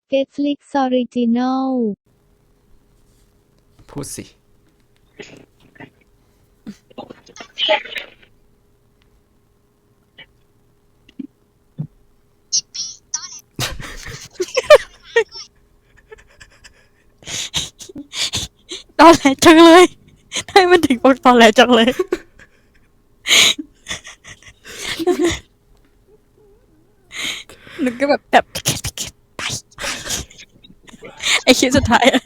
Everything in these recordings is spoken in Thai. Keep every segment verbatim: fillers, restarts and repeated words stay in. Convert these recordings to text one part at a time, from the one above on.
Netflix Original พูดสิตอนแรกจังเลยทำไมมันถึงบอกตอนแรกจังเลยหนูก็แบบแบบไปไอคิดสุดท้ายอะ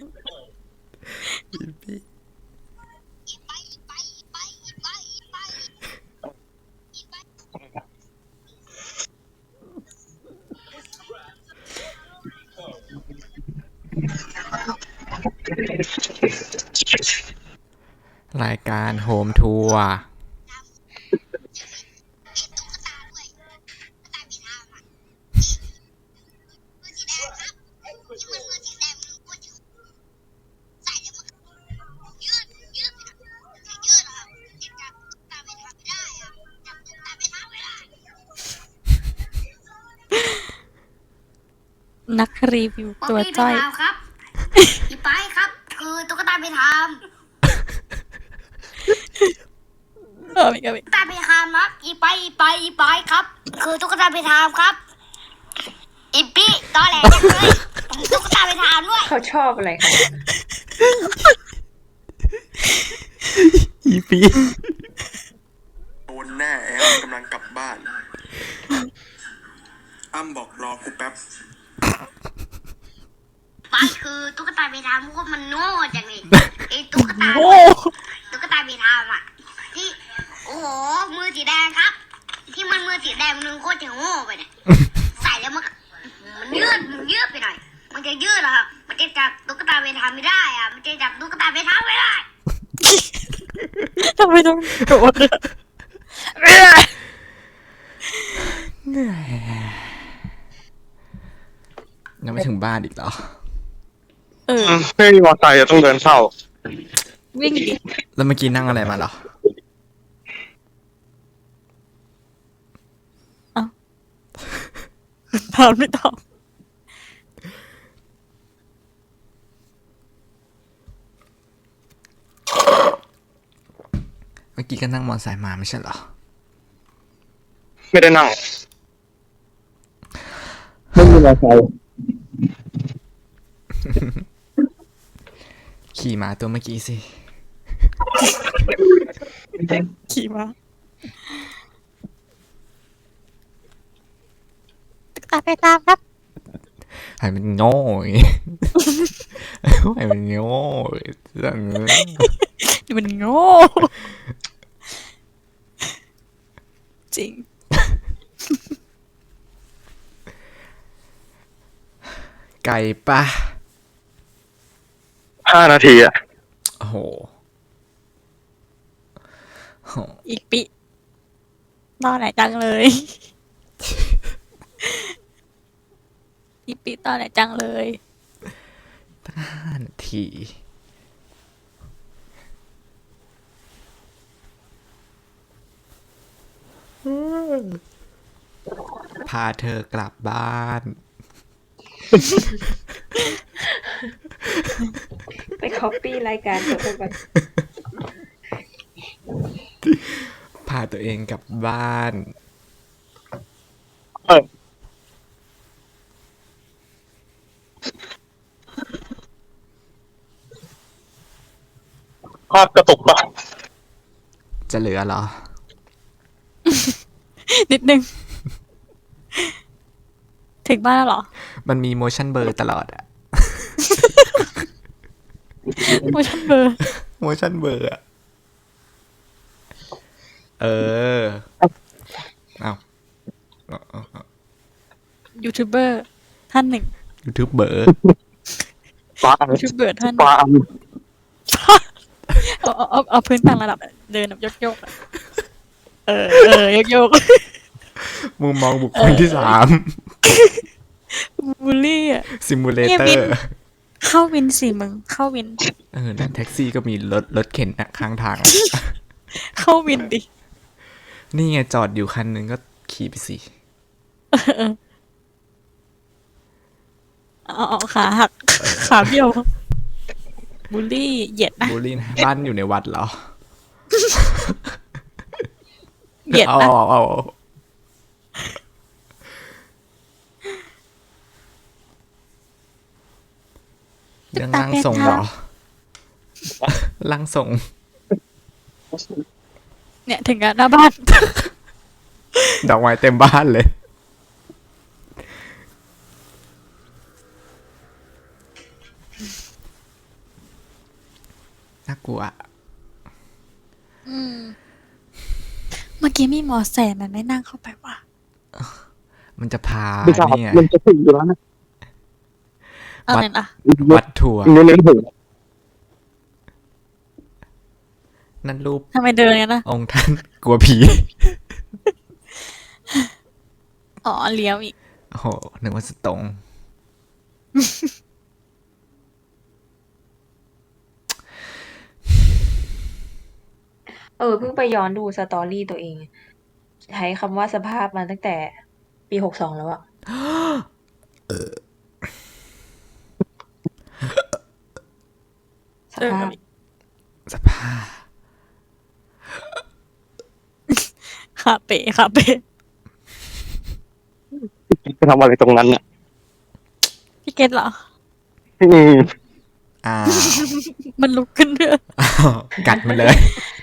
รายการโฮมทัวร์นักรีวิวตัวจ้อยครับอีไปครับคือตุ๊กตาไปทำเออไม่ก็ไม่ตุ๊กตาไปทำครับอีไปอีไปอีไปครับคือตุ๊กตาไปทำครับอีปี้ตอแหลจังเลยตุ๊กตาไปทำด้วยเขาชอบอะไรคะอีปีโดนแน่แอมกำลังกลับบ้านอ้ำบอกรอกูแป๊บไปคือตุ๊กตาไปทำพวกมันโง่จังเลยไอ้ตุ๊กตาตุ๊กตาไปทำอ่ะที่โอ้โหมือสีแดงครับ ที่มันมือสีแดงมันโคตรจะโง่ไปเนี่ยใส่แล้วมันมันยืดมันยืดไปหน่อยมันจะยืดเหรอครับมันจะจับตุ๊กตาไปทำไม่ได้อ่ะมันจะจับตุ๊กตาไปทำไม่ได้ทำไมต้องโดนอะเหนื่อยยังไม่ถึงบ้านอีกเหรอเออไม่มีมอเตอร์ไซค์ต้องเดินเข้าวิ่งดิแล้วเมื่อกี้นั่งอะไรมาเหรอถามไม่ตอบเมื่อกี้ก็นั่งมอเตอร์ไซค์มาไม่ใช่เหรอไม่ได้นั่งไม่มีมอเตอร์ไซค์ขี่ม้าตัวเมื่อกี้สิขี่มาตุ๊กตาไปตามครับให้มันโง่อย่างงี้ให้มันโง่อย่างงี้มันโง่จริงไก่ปะห้านาทีอ่ะโอ้โหโหอีกปีตอนไหนจังเลยอีกปีตอนไหนจังเลยห้านาทีพาเธอกลับบ้านไปคอปปี้รายการเขาไปก่อนพาตัวเองกลับบ้านเออภาพกระตุกปะจะเหลือเหรอนิดนึงถึงบ้านแล้วเหรอมันมี motion blur ตลอดอะ motion blur motion blur อะเออเอายูทูบเบอร์ท่านหนึ่ง YouTuber ปายูทูบเบอร์ท่านปาเอาเอาเอาเอาพื้นต่างระดับเดินแบบโยกโยกเออเออโยกโยกมุมมองบุคคลที่สามบูลลี่อ่ะซิมูเลเตอร์เข้าวินสิมึงเข้าวินเออนั่นแท็กซี่ก็มีรถรถเข็นนะข้างทางเข้าวินดินี่ไงจอดอยู่คันนึงก็ขี่ไปสิอ๋อขาหักขาเบี้ยวบูลลี่เหยียดนะบูลลี่นะบ้านอยู่ในวัดเหรอเหยียดเอานะเอาเอาเรื่องร่างทรงเหรอร่างทรงเนี่ยถึงกับหน้าบ้านดอกไม้เต็มบ้านเลย น่ากลัวอืมเมื่อกี้มีมอแซมมันไม่นั่งเข้าไปว่ะมันจะพาไม่ทราบเนี่ยมันจะถึงอยู่แล้วนะอะไรนะวัดทัวร์เน้นๆถึงนั่นรูปทำไมเดินกันนะองค์ท่านกลัวผีอ๋อเลี้ยวอีกโอ้โหนึกว่าสตงเออเพิ่งไปย้อนดูสตอรี่ตัวเอง ใช้คำว่าสภาพมาตั้งแต่ปีหกสองแล้วอะสเดินภากัพนอีกสภาพขาเป๋ขาเป๋ไปทำอะไรตรงนั้นอ่ะพี่เกตเหรออืมอ้าวมันลุกขึ้นเรื่อยอ้าวกัดมันเลย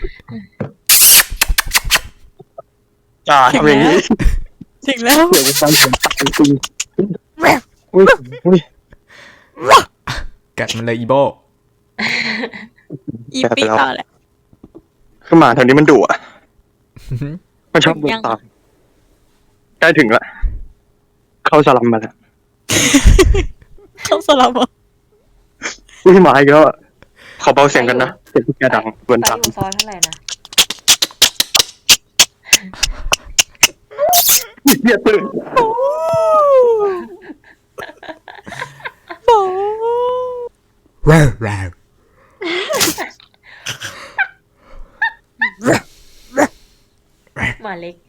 อ่าทำอย่างนี้ถึงแล้วเดี๋ยวฟังผมตายจริงอุ้ยอุ้ยกัดมันเลยอีโบอีปีต่อแหละคือหมาแถวนี้มันดุอ่ะมันชอบเดินตามใกล้ถึงละเข้าสลัมมาแล้วเข้าสลับอ่ะอุ้ยหมาอีกแล้วอะขอเบาเสียงกันนะเสียงที่แกดังเกินไปตามอยู่ซอยเท่าไหร่นะเหี้ยตื่นว้าวว้าวหมาเล็ก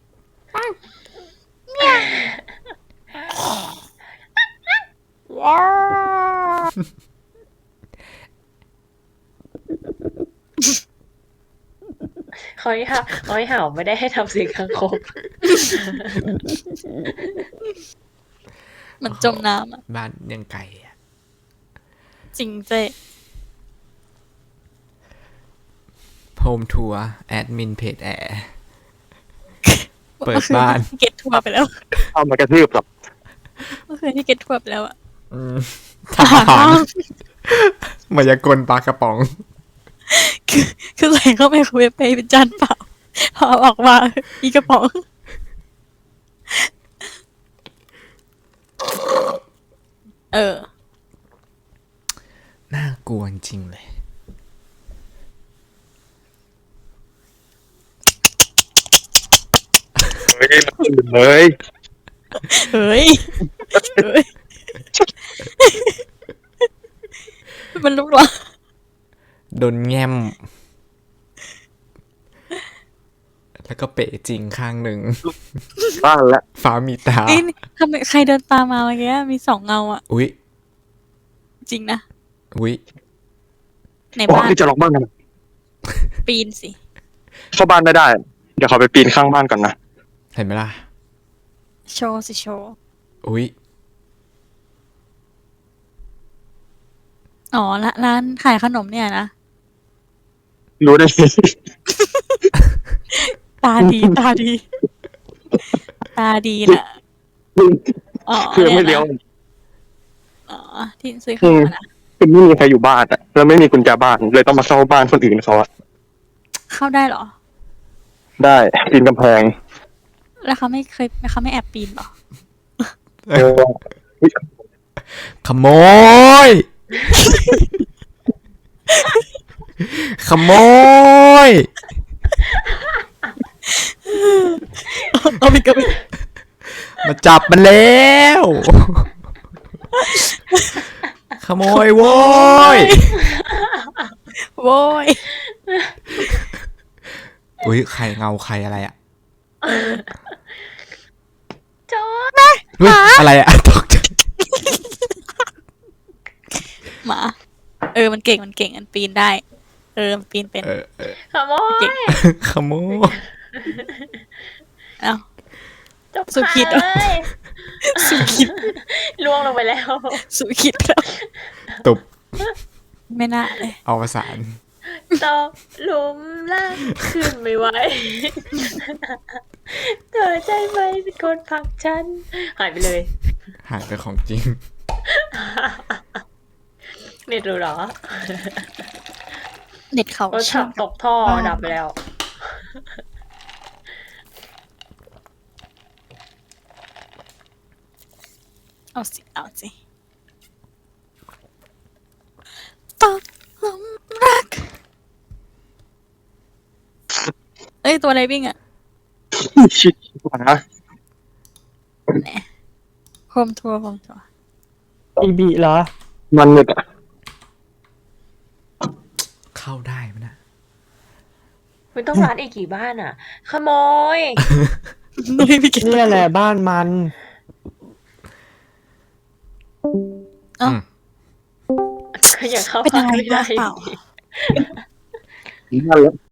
เขาให้เห่าเขาให้เห่าไม่ได้ให้ทำเสียงคางคกมันจมน้ำอ่ะบ้านยังไกลอะจริงเจ๊โฮมทัวร์แอดมินเพจแอร์ เปิดบ้านเก็ตทัวร์ไปแล้วเอามากระทืบหรอกเมื่อคืนที่เก็ตทัวร์ไปแล้วอ่ะอืมทหารมายากลปลากระป๋องคือคือใส่เข้าไปคุยไปเป็นจานเปล่าพอเอาออกมาอีกระป๋อง เออน่ากลัวจริงๆเลยเฮ้ยมันตื่นเลยเฮ้ย เฮ้ย มันลุกเหรอโดนแง้ม แล้วก็เป๋จริงข้างหนึ่งบ้านละฟ้ามีตาเอ้ยทำไมใครเดินตามมาเมื่อกี้มีสองเงาอ่ะอุ๊ยจริงนะอุ๊ยในโอ้บ้านนี่จะล็อกบ้านกันปีนสิเข้าบ้านไม่ได้ เดี๋ยวเขาไปปีนข้างบ้านก่อนนะเห็นไหมล่ะโชว์สิโชว์อุ๊ยอ๋อละร้านขายขนมเนี่ยนะรู้ได้ไงตาดี ตาดี ตาดีน่ะ อ๋อคือไม่เลี้ยวนี่นะอ๋อ ที่ซื้อขนมอะนะคือไม่มีใครอยู่บ้านอ่ะ แล้วไม่มีกุญแจบ้าน เลยต้องมาเข้าบ้านคนอื่นเขาอะเข้าได้เหรอได้ปีนกำแพงแล้วเขาไม่เคยเขาไม่แอบปีนเหรอเออขโมย ขโมยเอาไปกับมาจับมันแล้ว ขโมยโว้ยโว้ยอุ๊ย ใครเงาใครอะไรอ่ะจอดเฮ้ยอะไรอ่ะตกใจหมา เออมันเก่งมันเก่งมันปีนได้ เออมันปีนเป็นเออเออขโมยเก่งขโมยเอ้าจบสุขิดเหรอเลยสุขิดล่วงลงไปแล้วสุขิดแล้วตุบไม่น่าเลยเอาประสานตกหลุมล่างขึ้นไม่ไหว เธอใจไหมเป็นคนผลักฉัน หายไปเลยหายไปของจริงเน็ตรู้เหรอเน็ตเขารถเชื่ถัอมงตกท่อดับไปแล้วเอาสิเอาสิตกหลุมรัก เอ้ยตัวอะไรวิ่งอะชิดขวาโฮมทัวร์โฮมทัวร์อีบีเหรอมันเนี่ยอะเข้าได้ไหมนะมันต้องร้านอีกกี่บ้านอ่ะ ขโมยนุ้ยพี่เก่งเนี่ยแหละบ้านมันเอ้าอืมก็อยากเข้าเป็นบ้าอะนไรไม่ได้บ้างเปล่านั่นแหละ